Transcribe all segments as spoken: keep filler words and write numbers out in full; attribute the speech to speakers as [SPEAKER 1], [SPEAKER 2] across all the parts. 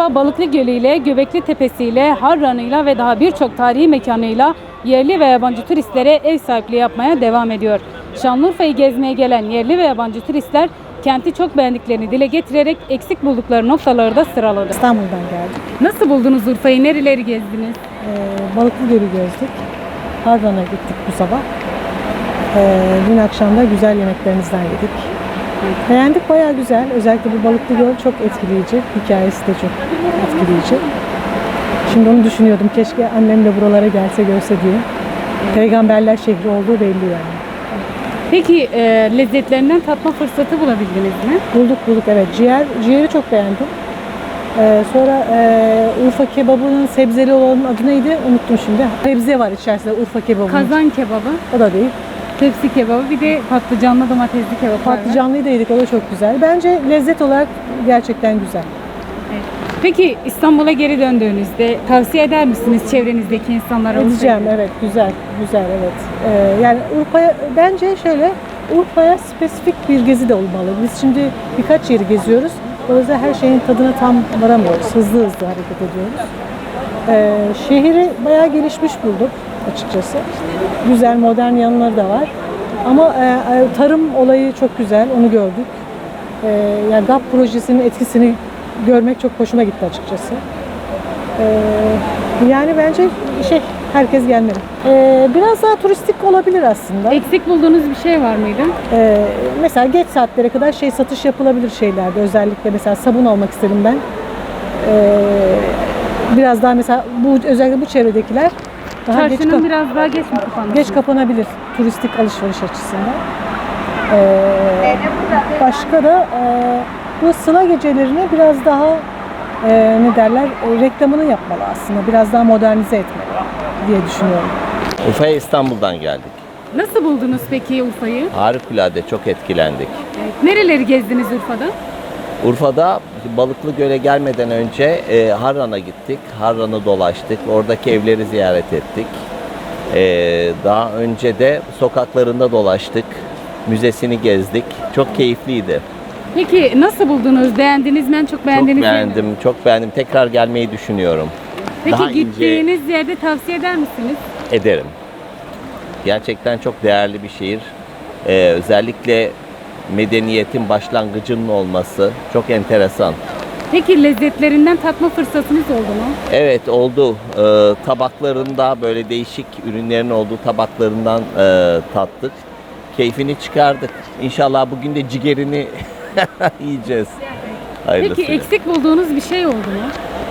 [SPEAKER 1] Urfa Balıklı Gölü ile Göbekli Tepesi ile Harran'ıyla ve daha birçok tarihi mekanıyla yerli ve yabancı turistlere ev sahipliği yapmaya devam ediyor. Şanlıurfa'yı gezmeye gelen yerli ve yabancı turistler kenti çok beğendiklerini dile getirerek eksik buldukları noktaları da sıraladı.
[SPEAKER 2] İstanbul'dan geldik.
[SPEAKER 1] Nasıl buldunuz Urfa'yı? Nereleri gezdiniz?
[SPEAKER 2] Ee, Balıklı Gölü gezdik. Harran'a gittik bu sabah. Ee, dün akşam da güzel yemeklerinizden yedik. Beğendik, bayağı güzel. Özellikle bu Balıklı Göl çok etkileyici. Hikayesi de çok etkileyici. Şimdi onu düşünüyordum. Keşke annem de buralara gelse görse diye. Peygamberler şehri olduğu belli yani.
[SPEAKER 1] Peki e, lezzetlerinden tatma fırsatı bulabildiniz mi?
[SPEAKER 2] Bulduk bulduk evet. Ciğer, ciğeri çok beğendim. Ee, sonra e, Urfa kebabının sebzeli olanın adı neydi? Unuttum şimdi. Sebze var içerisinde Urfa kebabının.
[SPEAKER 1] Kazan kebabı,
[SPEAKER 2] O da değil.
[SPEAKER 1] tepsi kebabı, bir de patlıcanlı domatesli kebap var.
[SPEAKER 2] Patlıcanlıyı da yedik. O da çok güzel. Bence lezzet olarak gerçekten güzel.
[SPEAKER 1] Evet. Peki İstanbul'a geri döndüğünüzde tavsiye eder misiniz çevrenizdeki insanlara?
[SPEAKER 2] Edeceğim evet. Güzel. Güzel evet. Ee, yani Urfa'ya bence şöyle Urfa'ya spesifik bir gezi de olmalı. Biz şimdi birkaç yeri geziyoruz. Dolayısıyla her şeyin tadına tam varamıyoruz. Hızlı hızlı hareket ediyoruz. Ee, şehri bayağı gelişmiş bulduk açıkçası. Güzel, modern yanları da var. Ama e, tarım olayı çok güzel, onu gördük. E, yani G A P projesinin etkisini görmek çok hoşuma gitti açıkçası. E, yani bence şey, herkes gelmeli. E, biraz daha turistik olabilir aslında.
[SPEAKER 1] Eksik bulduğunuz bir şey var mıydı?
[SPEAKER 2] E, mesela geç saatlere kadar şey satış yapılabilir şeylerde. Özellikle mesela sabun almak istedim ben. E, biraz daha mesela bu özellikle bu çevredekiler daha geç
[SPEAKER 1] Çarşının
[SPEAKER 2] kap-
[SPEAKER 1] biraz daha geç mi kapanması?
[SPEAKER 2] Geç kapanabilir turistik alışveriş açısından. Ee, başka da e, bu Sıla gecelerini biraz daha e, ne derler e, reklamını yapmalı aslında. Biraz daha modernize etmeli diye düşünüyorum.
[SPEAKER 3] Urfa'ya İstanbul'dan geldik.
[SPEAKER 1] Nasıl buldunuz peki Urfa'yı?
[SPEAKER 3] Harikulade, çok etkilendik.
[SPEAKER 1] Evet. Nereleri gezdiniz Urfa'da?
[SPEAKER 3] Urfa'da Balıklı Göl'e gelmeden önce e, Harran'a gittik. Harran'ı dolaştık. Oradaki evleri ziyaret ettik. E, daha önce de sokaklarında dolaştık. Müzesini gezdik. Çok keyifliydi.
[SPEAKER 1] Peki nasıl buldunuz? Beğendiniz mi? En çok
[SPEAKER 3] Çok
[SPEAKER 1] beğendiğiniz yer
[SPEAKER 3] beğendim,
[SPEAKER 1] mi?
[SPEAKER 3] çok beğendim. Tekrar gelmeyi düşünüyorum.
[SPEAKER 1] Peki
[SPEAKER 3] Daha ince-
[SPEAKER 1] gittiğiniz yerde tavsiye eder misiniz?
[SPEAKER 3] Ederim. Gerçekten çok değerli bir şehir. Ee, özellikle medeniyetin başlangıcının olması çok enteresan.
[SPEAKER 1] Peki lezzetlerinden tatma fırsatınız oldu mu?
[SPEAKER 3] Evet oldu. Ee, tabaklarında böyle değişik ürünlerin olduğu tabaklarından e, tattık. Keyfini çıkardık. İnşallah bugün de ciğerini yiyeceğiz.
[SPEAKER 1] Peki
[SPEAKER 3] Hayırlısıyla.
[SPEAKER 1] eksik bulduğunuz bir şey oldu mu?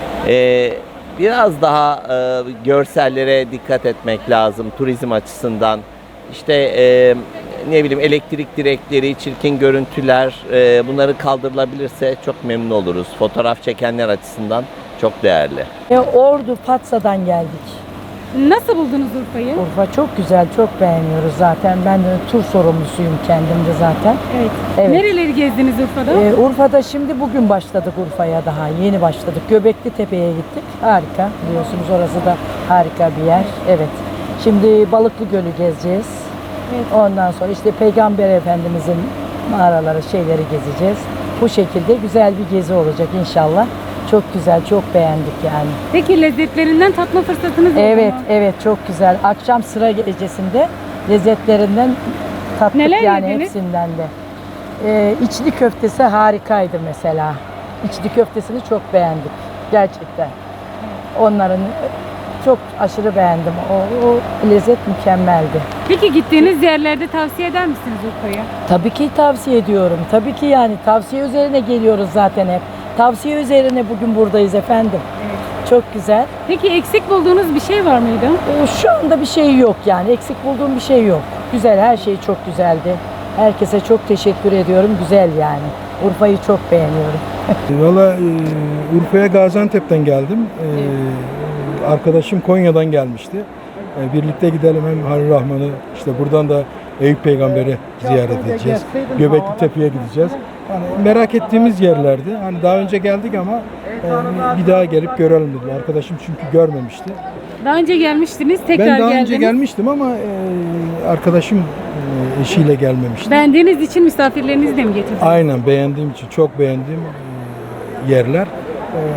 [SPEAKER 3] Ee, biraz daha e, görsellere dikkat etmek lazım turizm açısından. İşte e, ne bileyim elektrik direkleri, çirkin görüntüler e, bunları kaldırılabilirse çok memnun oluruz. Fotoğraf çekenler açısından çok değerli.
[SPEAKER 4] E, Ordu, Fatsa'dan geldik.
[SPEAKER 1] Nasıl buldunuz Urfa'yı?
[SPEAKER 4] Urfa çok güzel, çok beğeniyoruz zaten. Ben de tur sorumlusuyum kendim de zaten.
[SPEAKER 1] Evet.
[SPEAKER 4] Evet.
[SPEAKER 1] Nereleri gezdiniz Urfa'da?
[SPEAKER 4] E, Urfa'da şimdi bugün başladık Urfa'ya daha, yeni başladık. Göbekli Tepe'ye gittik. Harika, biliyorsunuz orası da harika bir yer. Evet. Şimdi Balıklı Gölü gezeceğiz.
[SPEAKER 1] Evet.
[SPEAKER 4] Ondan sonra işte Peygamber Efendimizin mağaraları, şeyleri gezeceğiz. Bu şekilde güzel bir gezi olacak inşallah. Çok güzel, çok beğendik yani.
[SPEAKER 1] Peki lezzetlerinden tatma fırsatınız oldu
[SPEAKER 4] Evet,
[SPEAKER 1] mu?
[SPEAKER 4] evet çok güzel. Akşam sıra gecesinde lezzetlerinden tattık
[SPEAKER 1] Neler
[SPEAKER 4] yani
[SPEAKER 1] yediniz?
[SPEAKER 4] hepsinden de. Ee, içli köftesi harikaydı mesela. İçli köftesini çok beğendik gerçekten. Onların çok aşırı beğendim. O, o lezzet mükemmeldi.
[SPEAKER 1] Peki gittiğiniz yerlerde tavsiye eder misiniz Urfa'yı?
[SPEAKER 4] Tabii ki tavsiye ediyorum. Tabii ki yani tavsiye üzerine geliyoruz zaten hep. Tavsiye üzerine bugün buradayız efendim. Çok güzel.
[SPEAKER 1] Peki eksik bulduğunuz bir şey var mıydı?
[SPEAKER 4] Ee, Şu anda bir şey yok yani. Eksik bulduğum bir şey yok. Güzel, her şey çok güzeldi. Herkese çok teşekkür ediyorum. Güzel yani. Urfa'yı çok beğeniyorum.
[SPEAKER 5] Valla e, Urfa'ya Gaziantep'ten geldim. E, arkadaşım Konya'dan gelmişti. E, birlikte gidelim hem Halil Rahman'ı, işte buradan da Eyüp Peygamber'i ziyaret edeceğiz. Göbekli Tepe'ye gideceğiz. Yani merak ettiğimiz yerlerdi. Hani daha önce geldik ama e, bir daha gelip görelim dedi. Arkadaşım çünkü görmemişti.
[SPEAKER 1] Daha önce gelmiştiniz, tekrar
[SPEAKER 5] Ben daha
[SPEAKER 1] geldiniz.
[SPEAKER 5] önce gelmiştim ama e, arkadaşım e, eşiyle gelmemişti.
[SPEAKER 1] Beğendiğiniz için misafirlerinizi de mi getirdiniz?
[SPEAKER 5] Aynen beğendiğim için çok beğendiğim e, yerler. E,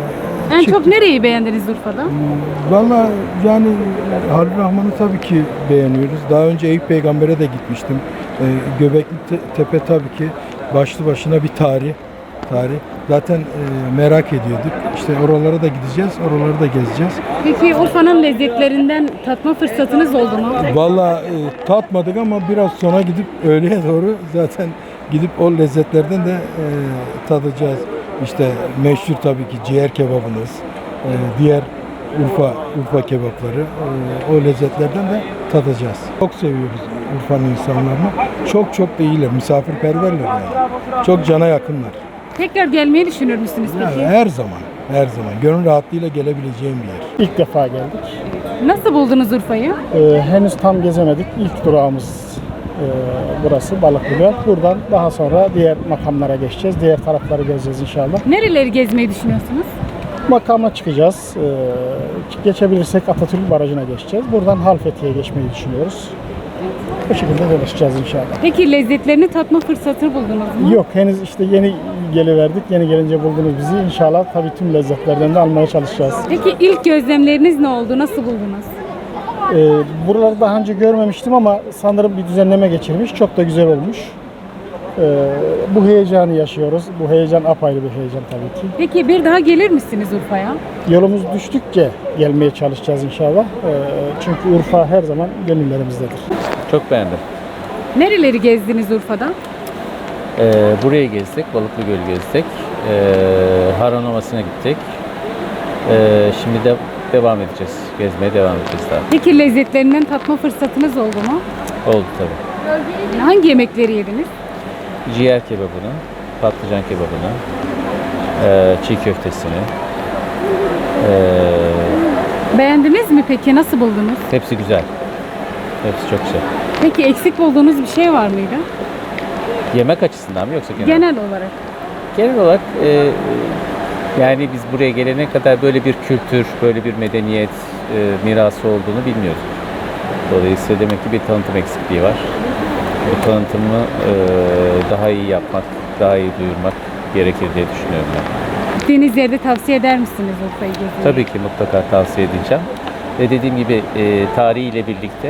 [SPEAKER 1] En çok nereyi beğendiniz Urfa'da?
[SPEAKER 5] Valla yani Halil Rahman'ı tabii ki beğeniyoruz. Daha önce Eyüp Peygamber'e de gitmiştim. Ee, Göbekli Te- Tepe tabii ki başlı başına bir tarih. Tarih. Zaten e, merak ediyorduk. İşte oralara da gideceğiz, oraları da gezeceğiz.
[SPEAKER 1] Peki Urfa'nın lezzetlerinden tatma fırsatınız oldu mu?
[SPEAKER 5] Valla e, tatmadık ama biraz sonra gidip öğleye doğru zaten gidip o lezzetlerden de e, tadacağız. İşte meşhur tabii ki ciğer kebabınız, e, diğer Urfa Urfa kebapları, e, o lezzetlerden de tadacağız. Çok seviyoruz Urfa'nın insanlarını. Çok çok da iyiler, misafirperverler yani. Çok cana yakınlar.
[SPEAKER 1] Tekrar gelmeyi düşünür müsünüz
[SPEAKER 5] Yani
[SPEAKER 1] peki?
[SPEAKER 5] her zaman, her zaman gönül rahatlığıyla gelebileceğim bir yer.
[SPEAKER 6] İlk defa geldik.
[SPEAKER 1] Nasıl buldunuz Urfa'yı?
[SPEAKER 6] Ee, henüz tam gezemedik. İlk durağımız e, burası Balıklıgöl. Buradan daha sonra diğer makamlara geçeceğiz. Diğer tarafları gezeceğiz inşallah.
[SPEAKER 1] Nereleri gezmeyi düşünüyorsunuz?
[SPEAKER 6] Makama çıkacağız. Ee, geçebilirsek Atatürk Barajı'na geçeceğiz. Buradan Halfeti'ye geçmeyi düşünüyoruz. Bu şekilde dolaşacağız inşallah.
[SPEAKER 1] Peki lezzetlerini tatma fırsatı buldunuz mu?
[SPEAKER 6] Yok henüz işte yeni geliverdik. Yeni gelince buldunuz bizi. İnşallah tabii tüm lezzetlerden de almaya çalışacağız.
[SPEAKER 1] Peki ilk gözlemleriniz ne oldu? Nasıl buldunuz?
[SPEAKER 6] Ee, buraları daha önce görmemiştim ama sanırım bir düzenleme geçirmiş. Çok da güzel olmuş. Ee, bu heyecanı yaşıyoruz. Bu heyecan apayrı bir heyecan tabii ki.
[SPEAKER 1] Peki bir daha gelir misiniz Urfa'ya?
[SPEAKER 6] Yolumuz düştükçe gelmeye çalışacağız inşallah. Ee, çünkü Urfa her zaman gönüllerimizdedir.
[SPEAKER 7] Çok beğendim.
[SPEAKER 1] Nereleri gezdiniz Urfa'da?
[SPEAKER 7] Ee, burayı gezdik, Balıklıgöl'ü gezdik. Ee, Harran Ovası'na gittik. Ee, şimdi de devam edeceğiz. Gezmeye devam edeceğiz daha.
[SPEAKER 1] Peki lezzetlerinden tatma fırsatınız oldu mu?
[SPEAKER 7] Oldu tabii.
[SPEAKER 1] Hangi yemekleri yediniz?
[SPEAKER 7] Ciğer kebabını, patlıcan kebabını, ee, çiğ köftesini. Ee,
[SPEAKER 1] Beğendiniz mi peki? Nasıl buldunuz?
[SPEAKER 7] hepsi güzel. Hepsi çok güzel.
[SPEAKER 1] Peki eksik bulduğunuz bir şey var mıydı?
[SPEAKER 7] Yemek açısından mı yoksa genel?
[SPEAKER 1] Genel olarak.
[SPEAKER 7] Genel olarak e, yani biz buraya gelene kadar böyle bir kültür, böyle bir medeniyet e, mirası olduğunu bilmiyorduk. Dolayısıyla demek ki bir tanıtım eksikliği var. Bu tanıtımı e, daha iyi yapmak, daha iyi duyurmak gerekir diye düşünüyorum ben.
[SPEAKER 1] Gittiğiniz yerde tavsiye eder misiniz Urfa'yı gezmeyi?
[SPEAKER 7] Tabii ki mutlaka tavsiye edeceğim. Ve dediğim gibi e, tarihiyle birlikte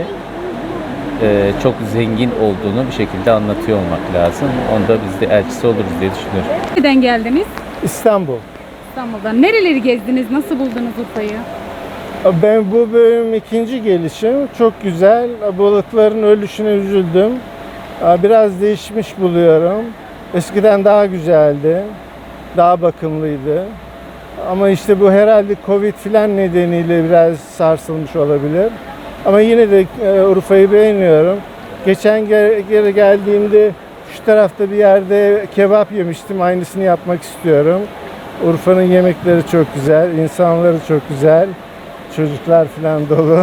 [SPEAKER 7] e, çok zengin olduğunu bir şekilde anlatıyor olmak lazım. Onda biz de elçisi oluruz diye düşünüyorum.
[SPEAKER 1] Nereden geldiniz?
[SPEAKER 6] İstanbul.
[SPEAKER 1] İstanbul'dan. Nereleri gezdiniz? Nasıl buldunuz Urfa'yı?
[SPEAKER 6] Ben bu bölüm ikinci gelişim. Çok güzel. Balıkların ölüşüne üzüldüm. Biraz değişmiş buluyorum. Eskiden daha güzeldi. Daha bakımlıydı. Ama işte bu herhalde Covid filan nedeniyle biraz sarsılmış olabilir. Ama yine de Urfa'yı beğeniyorum. Geçen geri geldiğimde şu tarafta bir yerde kebap yemiştim. Aynısını yapmak istiyorum. Urfa'nın yemekleri çok güzel, insanları çok güzel. Çocuklar falan dolu.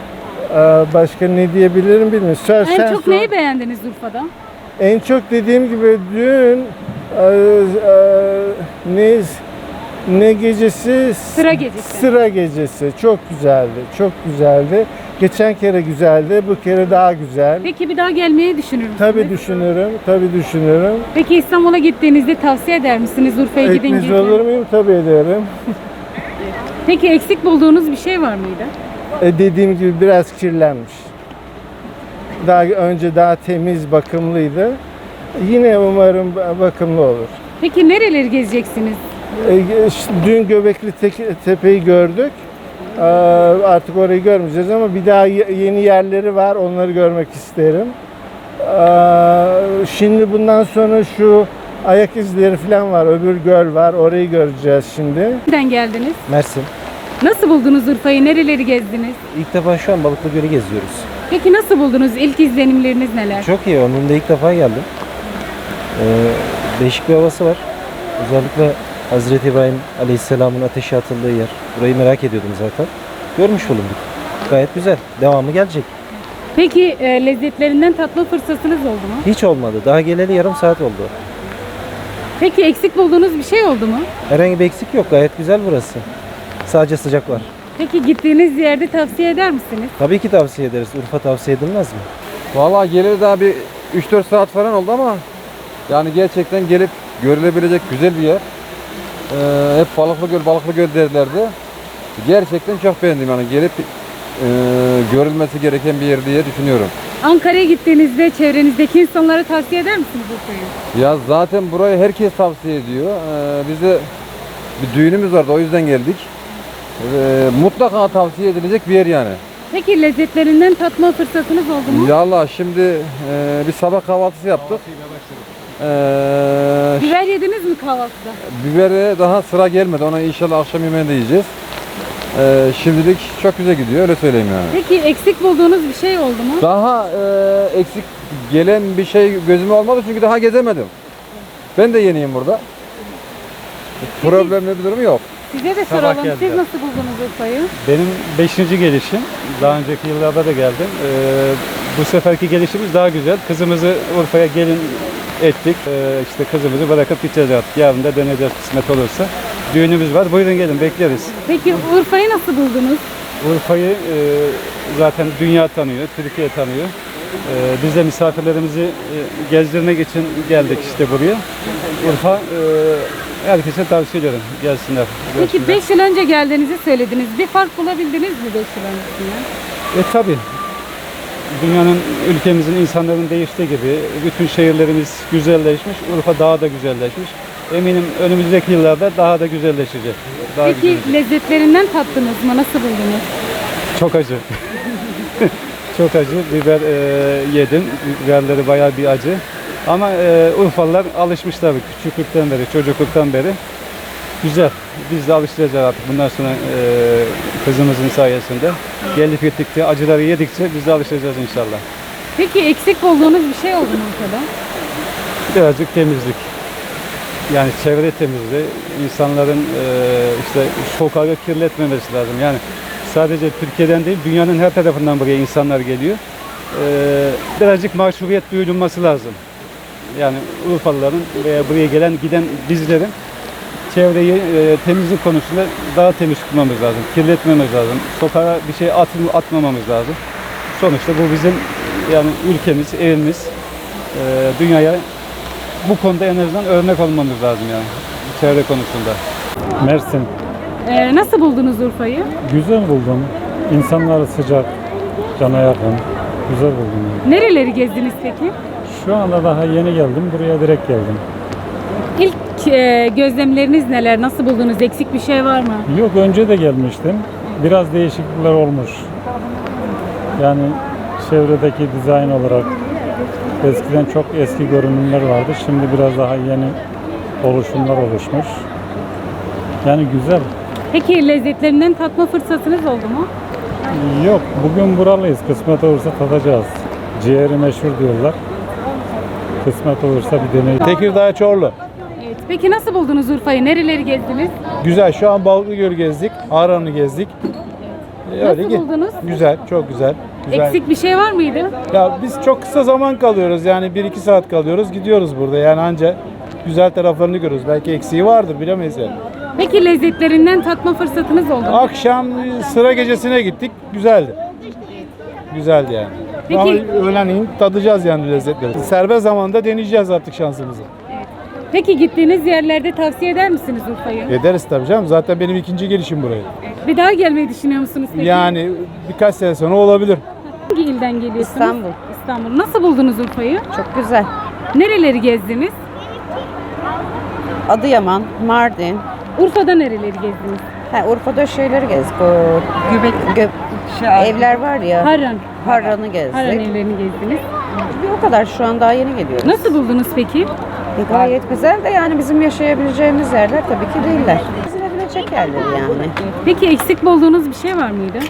[SPEAKER 6] Başka ne diyebilirim bilmiyorum. Sor,
[SPEAKER 1] En
[SPEAKER 6] sen
[SPEAKER 1] çok
[SPEAKER 6] sor.
[SPEAKER 1] neyi beğendiniz Urfa'da?
[SPEAKER 6] En çok dediğim gibi dün e, e, ne ne gecesi?
[SPEAKER 1] Sıra gecesi.
[SPEAKER 6] Sıra gecesi. Çok güzeldi. Çok güzeldi. Geçen kere güzeldi. Bu kere daha güzel.
[SPEAKER 1] Peki bir daha gelmeyi düşünür müsünüz?
[SPEAKER 6] Tabii düşünürüm. Tabii düşünürüm.
[SPEAKER 1] Peki İstanbul'a gittiğinizde tavsiye eder misiniz Urfa'ya gidin
[SPEAKER 6] Ekmez
[SPEAKER 1] gezin?
[SPEAKER 6] olur muyum? Tabii ederim.
[SPEAKER 1] Peki eksik bulduğunuz bir şey var mıydı?
[SPEAKER 6] E, dediğim gibi biraz kirlenmiş. Daha önce daha temiz, bakımlıydı. Yine umarım bakımlı olur.
[SPEAKER 1] Peki nereleri gezeceksiniz?
[SPEAKER 6] E, işte dün Göbekli Te- Tepe'yi gördük. Ee, artık orayı görmeyeceğiz ama bir daha ye- yeni yerleri var. Onları görmek isterim. Ee, şimdi bundan sonra şu ayak izleri falan var. Öbür göl var. Orayı göreceğiz şimdi.
[SPEAKER 1] Nereden geldiniz?
[SPEAKER 8] Mersin.
[SPEAKER 1] Nasıl buldunuz Urfa'yı? Nereleri gezdiniz?
[SPEAKER 8] İlk defa şu an Balıklıgöl'ü geziyoruz.
[SPEAKER 1] Peki nasıl buldunuz? İlk izlenimleriniz neler?
[SPEAKER 8] Çok iyi. Ömrümde ilk defa geldim. Ee, değişik bir havası var. Özellikle Hazreti İbrahim Aleyhisselam'ın ateşe atıldığı yer. Burayı merak ediyordum zaten. Görmüş bulunduk. Gayet güzel. Devamı gelecek.
[SPEAKER 1] Peki e, lezzetlerinden tatma fırsatınız oldu mu?
[SPEAKER 8] Hiç olmadı. Daha geleli yarım saat oldu.
[SPEAKER 1] Peki eksik bulduğunuz bir şey oldu mu?
[SPEAKER 8] Herhangi bir eksik yok. Gayet güzel burası. Sadece sıcak var.
[SPEAKER 1] Peki gittiğiniz yerde tavsiye eder misiniz?
[SPEAKER 8] Tabii ki tavsiye ederiz. Urfa tavsiye edilmez mi?
[SPEAKER 9] Vallahi geleli daha bir üç dört saat falan oldu ama yani gerçekten gelip görülebilecek güzel bir yer. Ee, hep Balıklıgöl, Balıklıgöl derlerdi. Gerçekten çok beğendim yani gelip e, görülmesi gereken bir yer diye düşünüyorum.
[SPEAKER 1] Ankara'ya gittiğinizde çevrenizdeki insanlara tavsiye eder misiniz Urfa'yı?
[SPEAKER 9] Ya zaten burayı herkes tavsiye ediyor. Ee, biz de bir düğünümüz vardı o yüzden geldik. Ee, mutlaka tavsiye edilecek bir yer yani.
[SPEAKER 1] Peki lezzetlerinden tatma fırsatınız oldu mu?
[SPEAKER 9] Ya Allah şimdi e, bir sabah kahvaltısı yaptık. Ee,
[SPEAKER 1] Biber yediniz mi kahvaltıda?
[SPEAKER 9] Bibere daha sıra gelmedi. Ona inşallah akşam yemeğinde yiyeceğiz. Ee, şimdilik çok güzel gidiyor öyle söyleyeyim yani.
[SPEAKER 1] Peki eksik bulduğunuz bir şey oldu mu?
[SPEAKER 9] Daha e, eksik gelen bir şey gözüme olmadı çünkü daha gezemedim. Ben de yeniyim burada. Problemli bir durum yok.
[SPEAKER 1] Size de
[SPEAKER 10] Sabah
[SPEAKER 1] soralım. Siz
[SPEAKER 10] geldiler.
[SPEAKER 1] nasıl buldunuz Urfa'yı?
[SPEAKER 10] Benim beşinci gelişim. Daha önceki yıllarda da geldim. Ee, bu seferki gelişimiz daha güzel. Kızımızı Urfa'ya gelin ettik. Ee, işte kızımızı bırakıp gideceğiz artık. Yarın da döneceğiz kısmet olursa. Düğünümüz var. Buyurun gelin bekleriz.
[SPEAKER 1] Peki Urfa'yı nasıl buldunuz?
[SPEAKER 10] Urfa'yı e, zaten dünya tanıyor, Türkiye tanıyor. E, biz de misafirlerimizi e, gezdirmek için geldik işte buraya. Urfa e, herkese tavsiye ederim. Gelsinler.
[SPEAKER 1] Peki
[SPEAKER 10] görsünler.
[SPEAKER 1] beş yıl önce geldiğinizi söylediniz. Bir fark bulabildiniz mi beş yıl öncesinden?
[SPEAKER 10] E tabi. Dünyanın, ülkemizin, insanların değiştiği gibi bütün şehirlerimiz güzelleşmiş. Urfa daha da güzelleşmiş. Eminim önümüzdeki yıllarda daha da güzelleşecek. Daha
[SPEAKER 1] Peki
[SPEAKER 10] güzelleşecek.
[SPEAKER 1] lezzetlerinden tattınız mı? Nasıl buldunuz?
[SPEAKER 10] Çok acı. Çok acı. Biber e, yedim. Biberleri bayağı bir acı. Ama e, Urfalılar alışmışlar küçüklükten beri, çocukluktan beri. Güzel. Biz de alışacağız artık bundan sonra e, kızımızın sayesinde. Gelip gittikçe, acıları yedikçe biz de alışacağız inşallah.
[SPEAKER 1] Peki eksik bulduğunuz bir şey oldu mu Urfa'da?
[SPEAKER 10] Birazcık temizlik. Yani çevre temizliği, insanların e, işte sokağı kirletmemesi lazım. Yani sadece Türkiye'den değil, dünyanın her tarafından buraya insanlar geliyor. E, birazcık maşrubiyet duyulması lazım. Yani Urfalıların veya buraya gelen giden bizlerin çevreyi e, temizlik konusunda daha temiz tutmamız lazım. Kirletmemiz lazım. Sokağa bir şey at, atmamamız lazım. Sonuçta bu bizim yani ülkemiz, evimiz. E, dünyaya bu konuda en azından örnek olmamız lazım yani çevre konusunda.
[SPEAKER 11] Mersin.
[SPEAKER 1] Ee, nasıl buldunuz Urfa'yı?
[SPEAKER 11] Güzel buldum. İnsanları sıcak, cana yakın. Güzel buldum. Yani.
[SPEAKER 1] Nereleri gezdiniz peki?
[SPEAKER 11] Şu anda daha yeni geldim. Buraya direkt geldim.
[SPEAKER 1] İlk e, gözlemleriniz neler? Nasıl buldunuz? Eksik bir şey var mı?
[SPEAKER 11] Yok önce de gelmiştim. Biraz değişiklikler olmuş. Yani çevredeki dizayn olarak eskiden çok eski görünümler vardı. Şimdi biraz daha yeni oluşumlar oluşmuş. Yani güzel.
[SPEAKER 1] Peki lezzetlerinden tatma fırsatınız oldu mu?
[SPEAKER 11] Yok bugün buralıyız. Kısmet olursa tadacağız. Ciğeri meşhur diyorlar. Kısmet olursa bir deneyim.
[SPEAKER 12] Tekirdağ Çorlu.
[SPEAKER 1] Evet. Peki nasıl buldunuz Urfa'yı? Nereleri gezdiniz?
[SPEAKER 12] Güzel. Şu an Balıklıgöl'ü gezdik. Ağrı'nı gezdik. Ee,
[SPEAKER 1] Nasıl
[SPEAKER 12] ge-
[SPEAKER 1] buldunuz?
[SPEAKER 12] Güzel. Çok güzel. Güzel.
[SPEAKER 1] Eksik bir şey var mıydı?
[SPEAKER 12] Ya biz çok kısa zaman kalıyoruz. Yani bir iki saat kalıyoruz. Gidiyoruz burada. Yani anca güzel taraflarını görüyoruz. Belki eksiği vardır. Bilemeyiz yani.
[SPEAKER 1] Peki lezzetlerinden tatma fırsatınız oldu mu?
[SPEAKER 12] Akşam sıra gecesine gittik. Güzeldi. Güzeldi yani.
[SPEAKER 1] Peki-
[SPEAKER 12] Ama öğlenleyin tadacağız yani lezzetleri. Serbest zamanda deneyeceğiz artık şansımızı.
[SPEAKER 1] Peki gittiğiniz yerlerde tavsiye eder misiniz Urfa'yı?
[SPEAKER 12] Ederiz tabii canım. Zaten benim ikinci gelişim buraya.
[SPEAKER 1] Bir daha gelmeyi düşünüyor musunuz peki?
[SPEAKER 12] Yani birkaç sene sonra olabilir.
[SPEAKER 1] Hangi ilden geliyorsunuz?
[SPEAKER 13] İstanbul.
[SPEAKER 1] İstanbul. Nasıl buldunuz Urfa'yı?
[SPEAKER 13] Çok güzel.
[SPEAKER 1] Nereleri gezdiniz?
[SPEAKER 13] Adıyaman, Mardin.
[SPEAKER 1] Urfa'da nereleri gezdiniz?
[SPEAKER 13] Ha, Urfa'da şeyleri gezdik. O Göbek, gö, evler var ya.
[SPEAKER 1] Harran.
[SPEAKER 13] Harran'ı gezdik.
[SPEAKER 1] Harran evlerini gezdiniz.
[SPEAKER 13] Bir o kadar şu an daha yeni geliyoruz.
[SPEAKER 1] Nasıl buldunuz peki?
[SPEAKER 13] E, gayet güzel de yani bizim yaşayabileceğimiz yerler tabii ki değiller. Gezilebilecek yerler yani.
[SPEAKER 1] Peki eksik bulduğunuz bir şey var mıydı?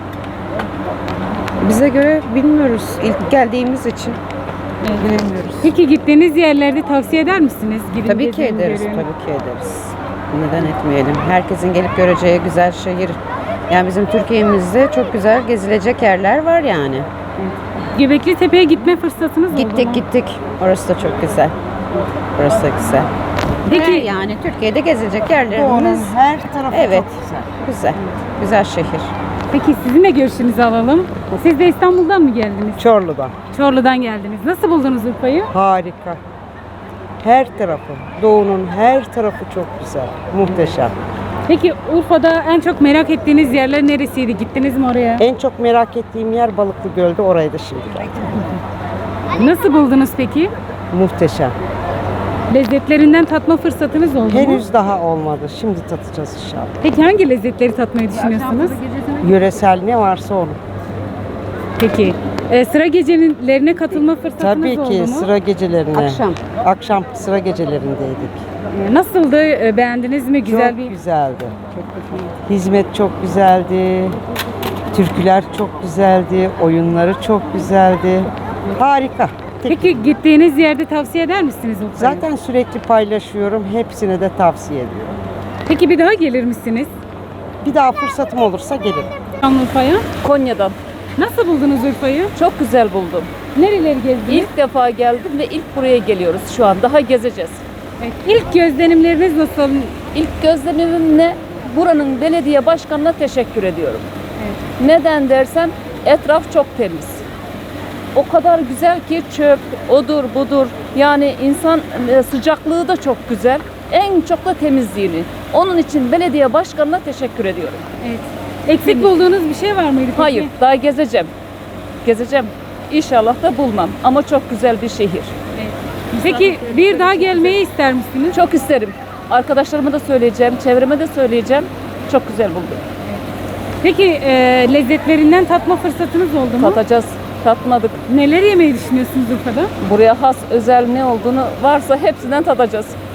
[SPEAKER 13] Bize göre bilmiyoruz ilk geldiğimiz için. Bilmiyoruz.
[SPEAKER 1] Peki gittiğiniz yerlerde tavsiye eder misiniz? Gidin
[SPEAKER 13] Tabii ki
[SPEAKER 1] gezin,
[SPEAKER 13] ederiz,
[SPEAKER 1] görün.
[SPEAKER 13] tabii ki ederiz. Neden etmeyelim? Herkesin gelip göreceği güzel şehir. Yani bizim Türkiye'mizde çok güzel gezilecek yerler var yani.
[SPEAKER 1] Göbekli Tepe'ye gitme fırsatınız oldu mu?
[SPEAKER 13] Gittik gittik. Orası da çok güzel. Orası da güzel.
[SPEAKER 1] Peki-
[SPEAKER 13] Peki yani Türkiye'de gezilecek yerlerimiz
[SPEAKER 4] her tarafı
[SPEAKER 13] evet
[SPEAKER 4] çok güzel.
[SPEAKER 13] güzel. Güzel şehir.
[SPEAKER 1] Peki sizin de görüşünüzü alalım. Siz de İstanbul'dan mı geldiniz?
[SPEAKER 4] Çorlu'dan.
[SPEAKER 1] Çorlu'dan geldiniz. Nasıl buldunuz Urfa'yı?
[SPEAKER 4] Harika.
[SPEAKER 14] Her tarafı, doğunun her tarafı çok güzel, muhteşem.
[SPEAKER 1] Peki Urfa'da en çok merak ettiğiniz yerler neresiydi? Gittiniz mi oraya?
[SPEAKER 14] En çok merak ettiğim yer Balıklı Göl'de, oraya da şimdi geldim.
[SPEAKER 1] Nasıl buldunuz peki?
[SPEAKER 14] Muhteşem.
[SPEAKER 1] Lezzetlerinden tatma fırsatınız oldu mu?
[SPEAKER 14] Henüz daha olmadı, şimdi tatacağız inşallah.
[SPEAKER 1] Peki hangi lezzetleri tatmayı düşünüyorsunuz?
[SPEAKER 14] Yöresel ne varsa onu.
[SPEAKER 1] Peki e, sıra gecelerine katılma fırsatınız
[SPEAKER 14] Tabii
[SPEAKER 1] oldu
[SPEAKER 14] ki
[SPEAKER 1] mu?
[SPEAKER 14] sıra gecelerine.
[SPEAKER 13] Akşam.
[SPEAKER 14] Akşam sıra gecelerindeydik.
[SPEAKER 1] E, Nasıldı? E, Beğendiniz mi? Güzel
[SPEAKER 14] çok
[SPEAKER 1] bir...
[SPEAKER 14] güzeldi. Hizmet çok güzeldi. Türküler çok güzeldi. Oyunları çok güzeldi. Harika.
[SPEAKER 1] Peki gittiğiniz yerde tavsiye eder misiniz Urfa'yı?
[SPEAKER 14] Zaten sürekli paylaşıyorum. Hepsine de tavsiye ediyorum.
[SPEAKER 1] Peki bir daha gelir misiniz
[SPEAKER 14] Bir daha fırsatım olursa gelirim.
[SPEAKER 1] Şanlıurfa'ya?
[SPEAKER 15] Konya'dan.
[SPEAKER 1] Nasıl buldunuz Urfa'yı?
[SPEAKER 15] Çok güzel buldum.
[SPEAKER 1] Nereleri gezdiniz?
[SPEAKER 15] İlk defa geldim ve ilk buraya geliyoruz şu an. Daha gezeceğiz.
[SPEAKER 1] Evet, İlk gözlenimleriniz nasıl?
[SPEAKER 15] İlk gözlemimle buranın belediye başkanına teşekkür ediyorum. Neden dersen etraf çok temiz. O kadar güzel ki çöp, odur budur. Yani insan e, sıcaklığı da çok güzel. En çok da temizliğini. Onun için belediye başkanına teşekkür ediyorum.
[SPEAKER 1] Evet. Eksik bulduğunuz bir şey var mıydı peki?
[SPEAKER 15] Hayır, daha gezeceğim. Gezeceğim. İnşallah da bulmam. Ama çok güzel bir şehir.
[SPEAKER 1] Peki bir daha gelmeyi ister misiniz?
[SPEAKER 15] Çok isterim. Arkadaşlarıma da söyleyeceğim, çevreme de söyleyeceğim. Çok güzel buldum.
[SPEAKER 1] Peki e, lezzetlerinden tatma fırsatınız oldu mu?
[SPEAKER 15] Tatacağız. Tatmadık.
[SPEAKER 1] Neler yemeyi düşünüyorsunuz Urfa'da?
[SPEAKER 15] Buraya has özel ne olduğunu varsa hepsinden tadacağız.